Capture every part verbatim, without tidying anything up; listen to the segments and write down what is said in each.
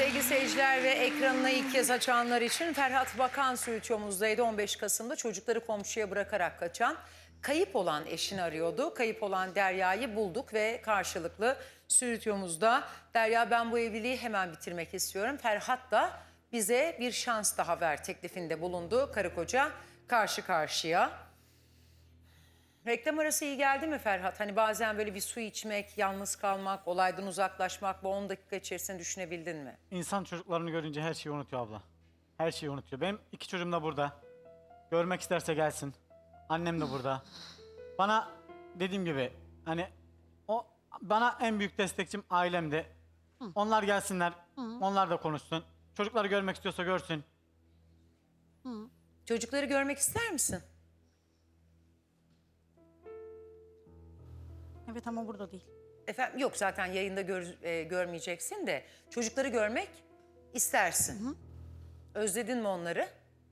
Sevgili seyirciler ve ekranına ilk kez açanlar için Ferhat Bakan Stüdyomuzdaydı. on beş Kasım'da çocukları komşuya bırakarak kaçan, kayıp olan eşini arıyordu. Kayıp olan Derya'yı bulduk ve karşılıklı stüdyomuzda. Derya, ben bu evliliği hemen bitirmek istiyorum. Ferhat da bize bir şans daha ver teklifinde bulundu. Karı koca karşı karşıya. Reklam arası iyi geldi mi Ferhat? Hani bazen böyle bir su içmek, yalnız kalmak, olaydan uzaklaşmak, bu on dakika içerisinde düşünebildin mi? İnsan çocuklarını görünce her şeyi unutuyor abla. Her şeyi unutuyor. Benim iki çocuğum da burada. Görmek isterse gelsin. Annem de burada. Bana dediğim gibi hani o bana en büyük destekçim ailemdi. Onlar gelsinler. Onlar da konuşsun. Çocukları görmek istiyorsa görsün. Çocukları görmek ister misin? Evet ama burada değil. Efendim, yok zaten yayında gör- e, görmeyeceksin de çocukları görmek istersin. Hı. Özledin mi onları?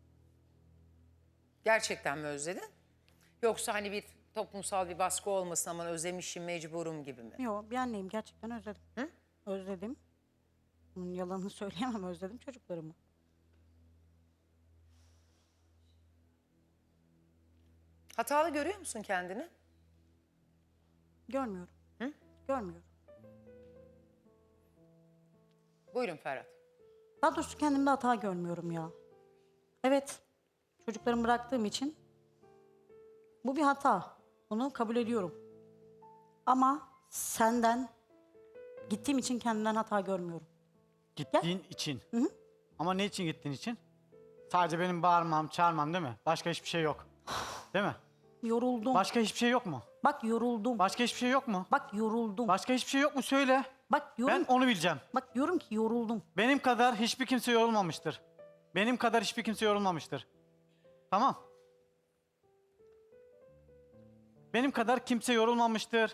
Gerçekten mi özledin? Yoksa hani bir toplumsal bir baskı olmasın ama özlemişim mecburum gibi mi? Yok, bir anneyim, gerçekten özledim. Hı? Özledim. Bunun yalanını söyleyemem, özledim çocuklarımı. Hatalı görüyor musun kendini? Görmüyorum. Hı? Görmüyorum. Buyurun Ferhat. Daha doğrusu kendimde hata görmüyorum ya. Evet, çocuklarımı bıraktığım için bu bir hata. Bunu kabul ediyorum. Ama senden gittiğim için kendimden hata görmüyorum. Gittiğin için. Hı hı. Ama ne için gittiğin için? Sadece benim bağırmam, çağırmam değil mi? Başka hiçbir şey yok. Değil mi? Yoruldum. Başka hiçbir şey yok mu? Bak yoruldum. Başka hiçbir şey yok mu? Bak yoruldum. Başka hiçbir şey yok mu? Söyle. Bak yorum, Ben onu bileceğim. bak diyorum ki yoruldum. Benim kadar hiçbir kimse yorulmamıştır. Benim kadar hiçbir kimse yorulmamıştır. Tamam. Benim kadar kimse yorulmamıştır.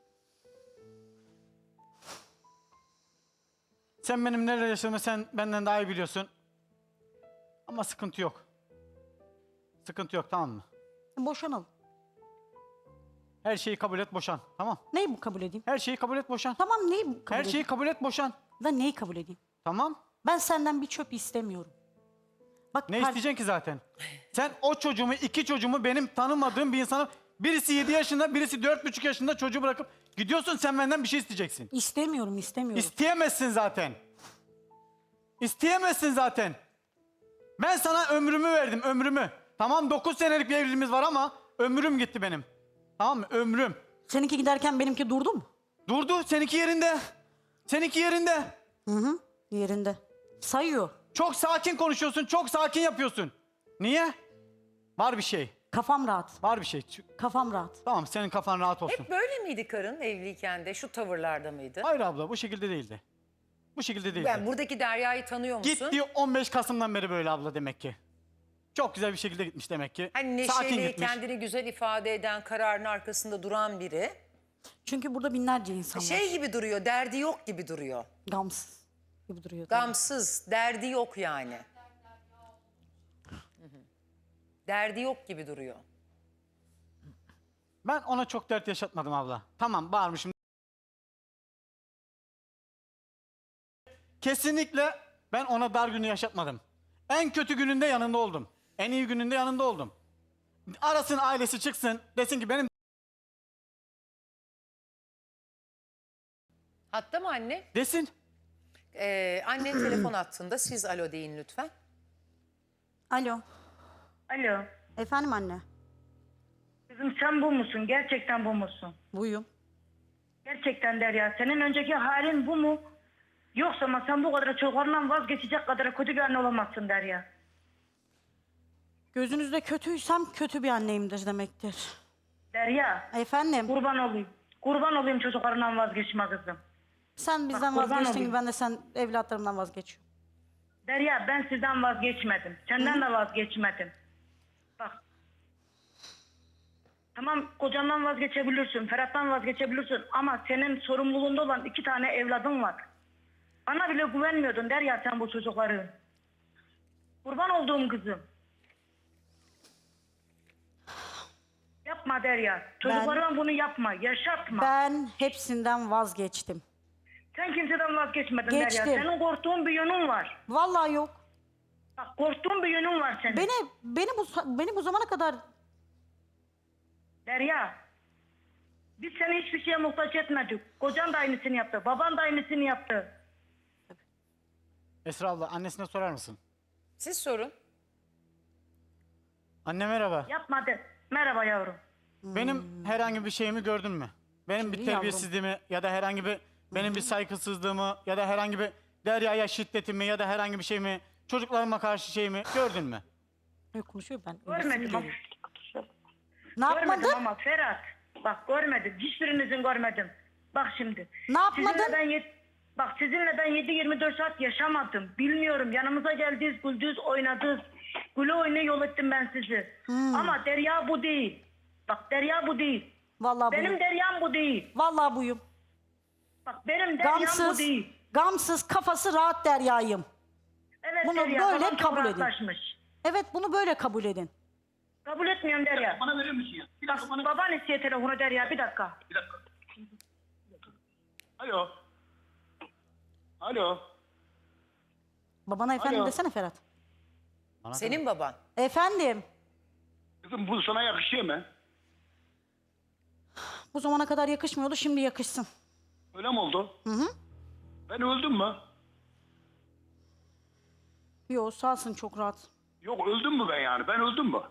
Sen benim neler yaşadığımı sen benden daha iyi biliyorsun. Ama sıkıntı yok. Sıkıntı yok, tamam mı? Boşanalım. Her şeyi kabul et, boşan. Tamam. Neyi bu kabul edeyim? Her şeyi kabul et, boşan. Tamam neyi bu kabul Her edeyim? şeyi kabul et, boşan. Da neyi kabul edeyim? Tamam. Ben senden bir çöp istemiyorum. Bak Ne kar- isteyeceksin ki zaten? Sen o çocuğumu, iki çocuğumu benim tanımadığım bir insana... Birisi yedi yaşında, birisi dört buçuk yaşında çocuğu bırakıp gidiyorsun, sen benden bir şey isteyeceksin. İstemiyorum, istemiyorum. İsteyemezsin zaten. İsteyemezsin zaten. Ben sana ömrümü verdim, ömrümü. Tamam, dokuz senelik bir evliliğimiz var ama ömrüm gitti benim. Tamam mı? Ömrüm. Seninki giderken benimki durdu mu? Durdu, seninki yerinde. Seninki yerinde. Hı hı, yerinde. Sayıyor. Çok sakin konuşuyorsun, çok sakin yapıyorsun. Niye? Var bir şey, Kafam rahat. var bir şey. Kafam rahat. Tamam, senin kafan rahat olsun. Hep böyle miydi karın evliyken de, şu tavırlarda mıydı? Hayır abla, bu şekilde değildi. Bu şekilde değildi. Ben buradaki Derya'yı tanıyor musun? Gitti on beş Kasım'dan beri böyle abla demek ki. Çok güzel bir şekilde gitmiş demek ki. Hani Sakin neşeli, gitmiş. kendini güzel ifade eden, kararın arkasında duran biri. Çünkü burada binlerce insan var. Şey gibi duruyor, derdi yok gibi duruyor. Gamsız gibi duruyor. tabii. Gamsız, derdi yok yani. Hı hı. Derdi yok gibi duruyor. Ben ona çok dert yaşatmadım abla. Tamam, bağırmışım. Kesinlikle ben ona dar günü yaşatmadım. En kötü gününde yanında oldum. En iyi gününde yanında oldum. Arasın, ailesi çıksın, desin ki benim... Hatta mı anne? Desin. Ee, annen telefon attığında siz alo deyin lütfen. Alo. Alo. Efendim anne. Kızım sen bu musun? Gerçekten bu musun? Buyum. Gerçekten Derya. Senin önceki halin bu mu? Yoksa ama sen bu kadar çocuklarından vazgeçecek kadar kötü bir anne olamazsın Derya. Gözünüzde kötüysem kötü bir anneyimdir demektir. Derya. Efendim. Kurban olayım. Kurban olayım çocuklarından vazgeçme kızım. Sen bizden Bak, kurban vazgeçtiğin olayım. gibi ben de sen evlatlarımdan vazgeçiyorum. Derya ben sizden vazgeçmedim. Senden de vazgeçmedim. Bak. Tamam kocandan vazgeçebilirsin. Ferhat'tan vazgeçebilirsin. Ama senin sorumluluğunda olan iki tane evladın var. Bana bile güvenmiyordun Derya sen bu çocukların. Kurban olduğum kızım. Yapma Derya. Çocuklarına bunu yapma. Yaşatma. Ben hepsinden vazgeçtim. Sen kimseden vazgeçmedin Derya. Geçtim. Senin korktuğun bir yönün var. Vallahi yok. Bak korktuğun bir yönün var senin. Beni beni bu beni bu zamana kadar Derya. Biz seni hiçbir şeye muhtaç etmedik. Kocan da aynısını yaptı. Baban da aynısını yaptı. Esra abla annesine sorar mısın? Siz sorun. Anne merhaba. Yapmadı. Merhaba yavrum. Benim herhangi bir şeyimi gördün mü? Benim bir Şimdi yavrum. terbiyesizliğimi ya da herhangi bir benim bir saygısızlığımı ya da herhangi bir Derya'ya şiddetimi ya da herhangi bir şeyimi, çocuklarıma karşı şeyimi gördün mü? Yok, konuşuyor ben. Görmedim ama. Ne yapmadın? Görmedim ama Ferhat. Bak görmedim. Hiçbirinizin görmedim. Bak şimdi. Ne yapmadın? Sizinle ben yet- Bak sizinle ben yedi yirmi dört saat yaşamadım. Bilmiyorum. Yanımıza geldiniz, güldünüz, oynadınız. Güle oyna yol ettim ben sizi. Hmm. Ama Derya bu değil. Bak Derya bu değil. Vallahi Benim buyum. Deryam bu değil. Vallahi buyum. Bak benim Deryam bu Gamsız, değil. gamsız, kafası rahat Derya'yım. Evet Bunu Derya. böyle babam çok kabul edin. rahatlaşmış. Evet, bunu böyle kabul edin. Kabul etmiyorum Derya. Bana verir misin ya? Bir dakika bana. Baban istiyor telefonu Derya. Bir dakika. Bir dakika. Alo. Alo. Babana efendim Alo. desene Ferhat. Bana Senin baban. Efendim, Kızım bu sana yakışıyor mu? bu zamana kadar yakışmıyordu, şimdi yakışsın. Öyle mi oldu? Hı hı. Ben öldüm mü? Yo, sağsın çok rahat. Yok öldüm mü ben yani? Ben öldüm mü?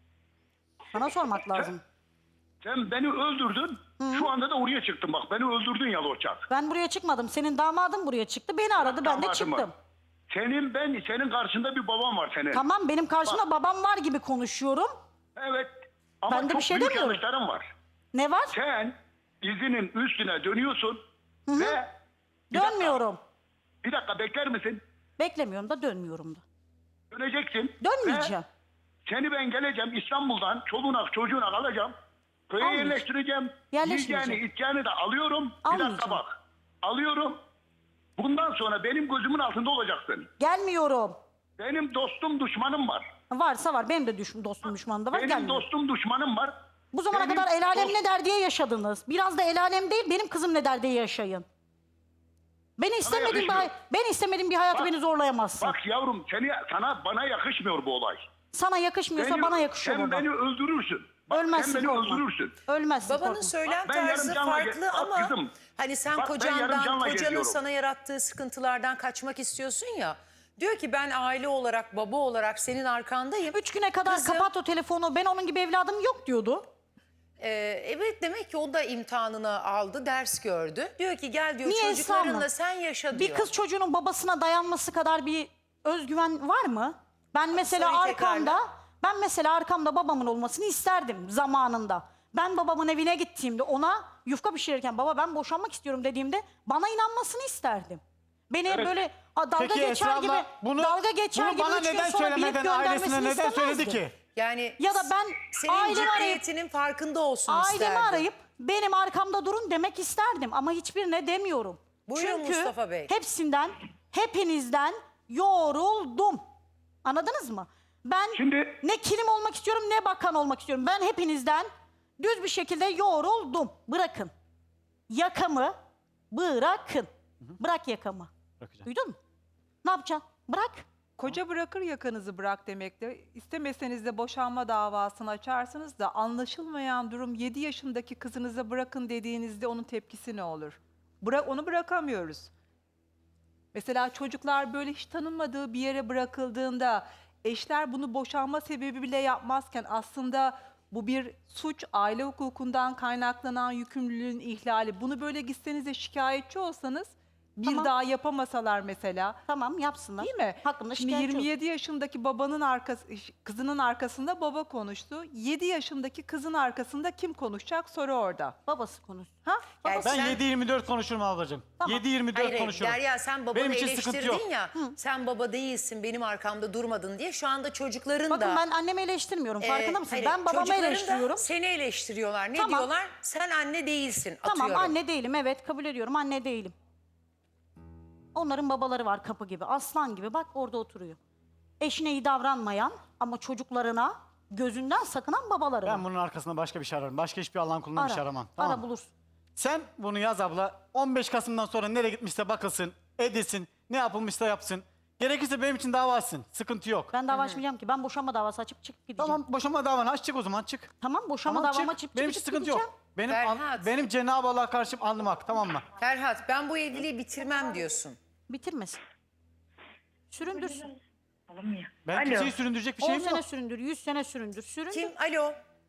Sana sormak lazım. Sen beni öldürdün. Şu anda da oraya çıktın bak. Beni öldürdün ya Loçak. Ben buraya çıkmadım. Senin damadın buraya çıktı. Beni aradı, ben de Damadım var. çıktım. Senin ben senin karşında bir baban var senin. Tamam, benim karşımda babam var gibi konuşuyorum. Evet. Ama Ben de çok bir şey büyük demiyorum. yanlışların var. Ne var? Sen dizinin üstüne dönüyorsun ve bir dakika, Dönmüyorum. bir dakika bekler misin? Beklemiyorum da dönmüyorum da. Döneceksin. Dönmeyeceğim. Ve seni ben geleceğim İstanbul'dan çoluğuna çocuğuna alacağım. Köye Almayacağım. yerleştireceğim. Yerleşmeyeceğim. Yiyeceğini içeceğini de alıyorum. Bir Almayacağım. dakika bak. Alıyorum. Bundan sonra benim gözümün altında olacaksın. Gelmiyorum. Benim dostum düşmanım var. Varsa var. Benim de düş dostum düşmanım da var. Benim Gelmiyorum. dostum düşmanım var. Bu zamana Benim kadar el alem dost- ne der diye yaşadınız. Biraz da el alem değil, benim kızım ne der diye yaşayın. Beni istemediğim bir, hay- yakışmıyor. ben istemediğim bir hayatı Bak- beni zorlayamazsın. Bak yavrum seni, sana bana yakışmıyor bu olay. Sana yakışmıyorsa Beni- bana yakışıyor Sen baba. beni öldürürsün. Bak, Ölmezsin, sen beni korkma. öldürürsün. Ölmezsin, Babanın korkma. söylem Bak, ben yarım tarzı canla farklı ge- bak ama kızım, hani sen bak ben yarım kocandan, canla kocanın geziyorum. sana yarattığı sıkıntılardan kaçmak istiyorsun ya. Diyor ki ben aile olarak, baba olarak senin arkandayım. Üç güne kadar Kızım- kapat o telefonu, ben onun gibi evladım yok diyordu. Ee, evet demek ki o da imtihanını aldı, ders gördü. Diyor ki gel diyor Niye çocuklarınla Esra sen yaşa diyor. Bir kız çocuğunun babasına dayanması kadar bir özgüven var mı? Ben mesela soruyu arkamda, tekrarla. ben mesela arkamda babamın olmasını isterdim zamanında. Ben babamın evine gittiğimde ona yufka pişirirken baba ben boşanmak istiyorum dediğimde bana inanmasını isterdim. Beni Evet. böyle a, dalga Peki geçer Esra gibi, abla bunu, dalga geçer bunu gibi bana üç gün neden sonra bilip söylemeden ailesine göndermesini neden söyledi istemezdim. ki? Yani Ya da ben senin ailemi arayıp ciddiyetinin farkında olsun ailemi isterdi. arayıp benim arkamda durun demek isterdim ama hiçbirine demiyorum. Buyurun Çünkü Mustafa Bey. hepsinden, hepinizden yoruldum. Anladınız mı? Ben Şimdi- ne kilim olmak istiyorum ne bakan olmak istiyorum. Ben hepinizden düz bir şekilde yoruldum. Bırakın. Yakamı bırakın. Bırak yakamı. Bırakacağım. Duydun mu? Ne yapacaksın? Bırak. Koca bırakır yakanızı bırak demektir. İstemeseniz de boşanma davasını açarsınız da anlaşılmayan durum yedi yaşındaki kızınıza bırakın dediğinizde onun tepkisi ne olur? Bırak, onu bırakamıyoruz. Mesela çocuklar böyle hiç tanınmadığı bir yere bırakıldığında eşler bunu boşanma sebebi bile yapmazken aslında bu bir suç, aile hukukundan kaynaklanan yükümlülüğün ihlali. Bunu böyle gitseniz de şikayetçi olsanız bir Tamam. daha yapamasalar mesela. Tamam yapsınlar. Değil mi? Hakkında Şimdi şikayetçi yirmi yedi yaşındaki babanın arkası, kızının arkasında baba konuştu. yedi yaşındaki kızın arkasında kim konuşacak soru orada. olsun. Babası konuş. Ha? Yani Ben sen- yedi yirmi dört konuşurum ablacığım. Tamam. yedi yirmi dört Hayır, hayır, konuşurum. Derya sen babanı Benim için sıkıntı yok. eleştirdin ya. Sen baba değilsin, benim arkamda durmadın diye. Şu anda çocukların Bakın da... ben annemi eleştirmiyorum. e, Farkında mısın? hayır, Ben babamı çocukların da eleştiriyorum. seni eleştiriyorlar. Ne Tamam. diyorlar? Sen anne değilsin. Tamam atıyorum. anne değilim, evet kabul ediyorum, anne değilim. Onların babaları var kapı gibi, aslan gibi, bak orada oturuyor. Eşine iyi davranmayan ama çocuklarına gözünden sakınan babaları var. Ben bunun arkasında başka bir şey ararım. Başka hiçbir Allah'ın kulundan bir şey aramam. Tamam Ara mı? bulursun. Sen bunu yaz abla. on beş Kasım'dan sonra nereye gitmişse bakılsın, edilsin, ne yapılmışsa yapsın. Gerekirse benim için dava açsın. Sıkıntı yok. Ben dava açmayacağım ki. Ben boşanma davası açıp çıkıp gideceğim. Tamam, boşanma davanı aç, çık o zaman, çık. Tamam, boşanma Tamam, davamı çık. açıp Benim için çıkıp sıkıntı gideceğim. yok. Benim Ferhat. benim Cenab-ı Allah'a karşı alnım hak, tamam mı? Ferhat, ben bu evliliği bitirmem diyorsun. Bitirmesin. Süründürsün. Alınmıyor. Ben Alo. kimseyi süründürecek bir on şeyim sene yok. süründür, yüz sene süründür. Süründür. Kim? Alo.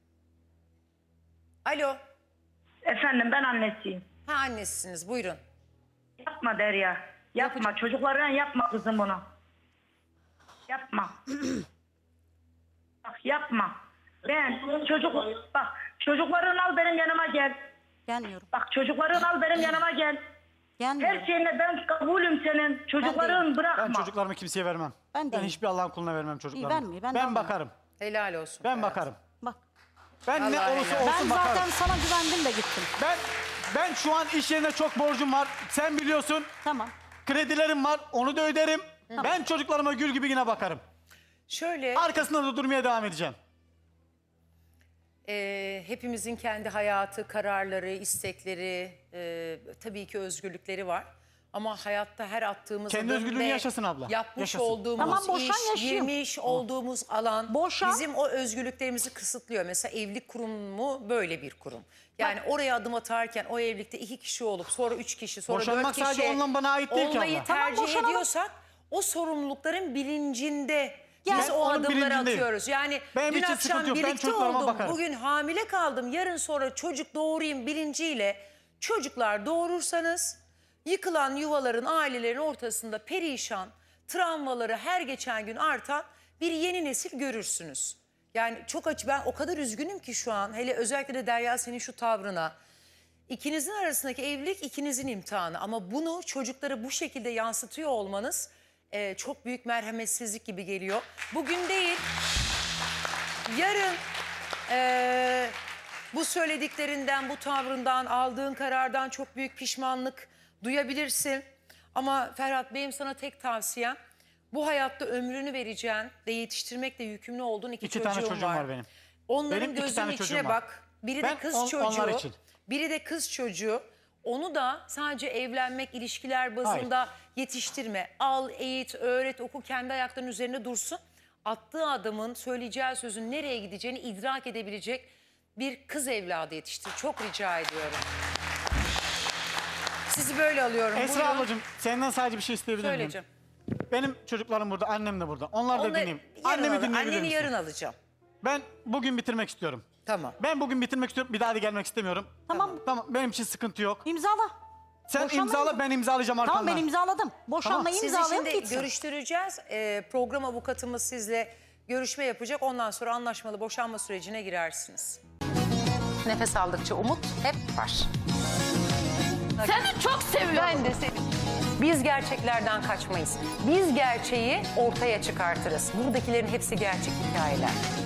Alo. Efendim ben annesiyim. Ha, annesisiniz, buyurun. Yapma Derya. Yapma. Çocuklarına yapma kızım bunu. Yapma. Bak yapma. Ben çocuk bak çocuklarını al benim yanıma gel. Gelmiyorum. Bak çocuklarını al benim yanıma gel. Gelmiyorum. Her şeyine ben kabulüm senin. Çocuklarını bırakma. Ben çocuklarımı kimseye vermem. Ben Ben değilim. hiçbir Allah'ın kuluna vermem çocuklarımı. vermeyin, ben de ben almam. bakarım. Helal olsun. Ben Ferhat. bakarım. Bak. Ben ne Allah olursa helal. Ben olsun zaten bakarım. sana güvendim de gittim. Ben ben şu an iş yerine çok borcum var. Sen biliyorsun. Tamam. Kredilerim var. Onu da öderim. Ben çocuklarıma gül gibi yine bakarım. Şöyle, Arkasında da durmaya devam edeceğim. e, hepimizin kendi hayatı, kararları, istekleri, e, tabii ki özgürlükleri var. Ama hayatta her attığımız Kendi adım özgürlüğünü ve yaşasın abla, yapmış yaşasın. olduğumuz Tamam, boşan iş, yaşayayım. girmiş olduğumuz alan Boşan. bizim o özgürlüklerimizi kısıtlıyor. Mesela evlilik kurumu böyle bir kurum. Yani oraya adım atarken o evlilikte iki kişi olup sonra üç kişi sonra Boşanmak dört kişi sadece onunla bana ait değil ki olmayı abla. Tamam, tercih boşanalım. ediyorsak o sorumlulukların bilincinde Yani biz Ben o onun adımları bilincindeyim. atıyoruz. Yani Benim dün için akşam sıkıntı yok. Ben birlikte çocuklarıma oldum, bakarım. bugün hamile kaldım, yarın sonra çocuk doğurayım bilinciyle çocuklar doğurursanız yıkılan yuvaların, ailelerin ortasında perişan, travmaları her geçen gün artan bir yeni nesil görürsünüz. Yani çok açı, ben o kadar üzgünüm ki şu an, hele özellikle de Derya senin şu tavrına. İkinizin arasındaki evlilik ikinizin imtihanı ama bunu çocuklara bu şekilde yansıtıyor olmanız e, çok büyük merhametsizlik gibi geliyor. Bugün değil, yarın e, bu söylediklerinden, bu tavrından, aldığın karardan çok büyük pişmanlık duyabilirsin. Ama Ferhat, benim sana tek tavsiyem, bu hayatta ömrünü vereceğin ve yetiştirmekle yükümlü olduğun iki, İki çocuğun tane çocuğum var benim. Onların Benim iki gözünün tane içine çocuğum var. bak. Biri Ben de kız on- çocuğu. onlar için. Biri de kız çocuğu. Onu da sadece evlenmek, ilişkiler bazında yetiştirme. Al, eğit, öğret, oku, kendi ayaklarının üzerinde dursun. Attığı adamın söyleyeceği sözün nereye gideceğini idrak edebilecek bir kız evladı yetiştir. Çok rica ediyorum. Sizi böyle alıyorum. Esra Buyurun. ablacığım senden sadece bir şey isteyebilir miyim? Söyleyeceğim. Benim çocuklarım burada, annem de burada. Onlar da Onları dinleyeyim. yarın Annemi alır- dinleyebilir Anneni misin? yarın alacağım. Ben bugün bitirmek istiyorum. Tamam. Ben bugün bitirmek istiyorum. Bir daha da gelmek istemiyorum. Tamam. Tamam, benim için sıkıntı yok. İmzala. Sen Boşanma imzala, imza- ben imzalayacağım arkandan. Tamam, ben imzaladım. Boşanmayı Sizi imzalayalım şimdi gitsin. görüştüreceğiz. Ee, program avukatımız sizle görüşme yapacak. Ondan sonra anlaşmalı boşanma sürecine girersiniz. Nefes aldıkça umut hep var. Seni çok seviyorum. Ben de seni. Biz gerçeklerden kaçmayız. Biz gerçeği ortaya çıkartırız. Buradakilerin hepsi gerçek hikayeler.